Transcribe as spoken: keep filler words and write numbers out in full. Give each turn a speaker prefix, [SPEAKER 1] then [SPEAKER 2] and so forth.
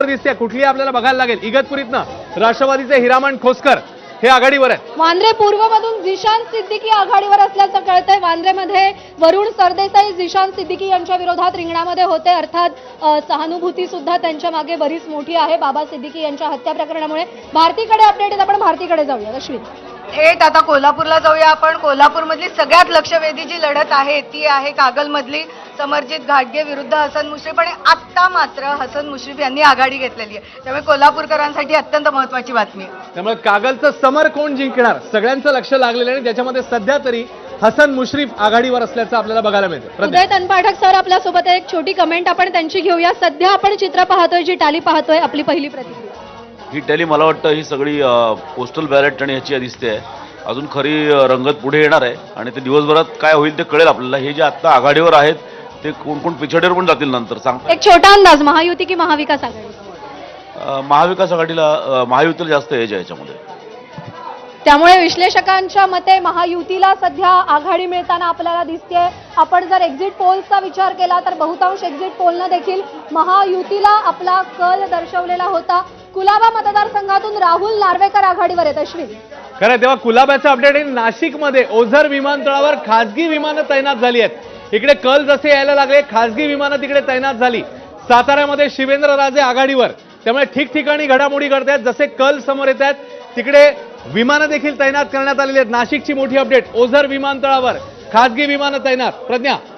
[SPEAKER 1] दिसते कुठली आपल्याला बघायला लागेल। इगतपुरीतनं राष्ट्रवादीचे हिरामण खोसकर हे आघाडीवर आहेत।
[SPEAKER 2] वांद्रे पूर्वमधून झिशान सिद्दीकी आघाडीवर असल्याचं कळतंय। वांद्रेमध्ये वरुण सरदेसाई झिशान सिद्दीकी यांच्या विरोधात रिंगणामध्ये होते। अर्थात सहानुभूती सुद्धा त्यांच्या मागे बरीच मोठी आहे बाबा सिद्दीकी यांच्या हत्या प्रकरणामुळे। भारतीकडे अपडेट आहेत, आपण भारतीकडे जाऊया। अश्विन
[SPEAKER 3] थेट आता कोल्हापूरला जाऊया आपण। कोल्हापूरमधली सगळ्यात लक्षवेधी जी लढत आहे ती आहे कागलमधली समरजित घाटगे विरुद्ध हसन मुश्रीफ, आणि आत्ता मात्र हसन मुश्रीफ यांनी आघाडी घेतलेली आहे, त्यामुळे कोल्हापूरकरांसाठी अत्यंत महत्त्वाची बातमी आहे।
[SPEAKER 1] त्यामुळे कागलचं समर कोण जिंकणार सगळ्यांचं लक्ष लागलेलं आहे, ज्याच्यामध्ये सध्या तरी हसन मुश्रीफ आघाडीवर असल्याचं आपल्याला बघायला मिळतं।
[SPEAKER 2] उदय तनपाठक सर आपल्यासोबत आहे, एक छोटी कमेंट आपण त्यांची घेऊया। सध्या आपण चित्र पाहतोय, जी टाली पाहतोय, आपली पहिली प्रतिक्रिया।
[SPEAKER 4] ही टॅली मला वाटतं ही सगळी पोस्टल बॅलेट आणि ह्याची दिसते आहे। अजून खरी रंगत पुढे येणार आहे आणि ते दिवसभरात काय होईल ते कळेल आपल्याला। हे जे आता आघाडीवर आहेत ते कोण कोण पिछाडीवर पण जातील नंतर सांगता।
[SPEAKER 2] एक छोटा अंदाज, महायुती की महाविकास आघाडी?
[SPEAKER 4] महाविकास आघाडीला महायुतीला जास्त एज आहे याच्यामध्ये,
[SPEAKER 2] त्यामुळे विश्लेषकांच्या मते महायुतीला सध्या आघाडी मिळताना आपल्याला दिसते। आपण जर एक्झिट पोलचा विचार केला तर बहुतांश एक्झिट पोलनं देखील महायुतीला आपला कल दर्शवलेला होता। कुलाबा मतदारसंघातून राहुल नार्वेकर आघाडीवर आहेत। अश्विन
[SPEAKER 1] खरं तेव्हा कुलाब्याचं अपडेट आहे। नाशिकमध्ये ओझर विमानतळावर खासगी विमानं तैनात झाली आहेत। इकडे कल जसे यायला लागले खासगी विमानं तिकडे तैनात झाली। साताऱ्यामध्ये शिवेंद्रराजे आघाडीवर, त्यामुळे ठिकठिकाणी घडामोडी घडतायत। जसे कल समोर येत आहेत तिकडे विमानं देखील तैनात करण्यात आलेली आहेत। नाशिकची मोठी अपडेट, ओझर विमानतळावर खासगी विमानं तैनात। प्रज्ञा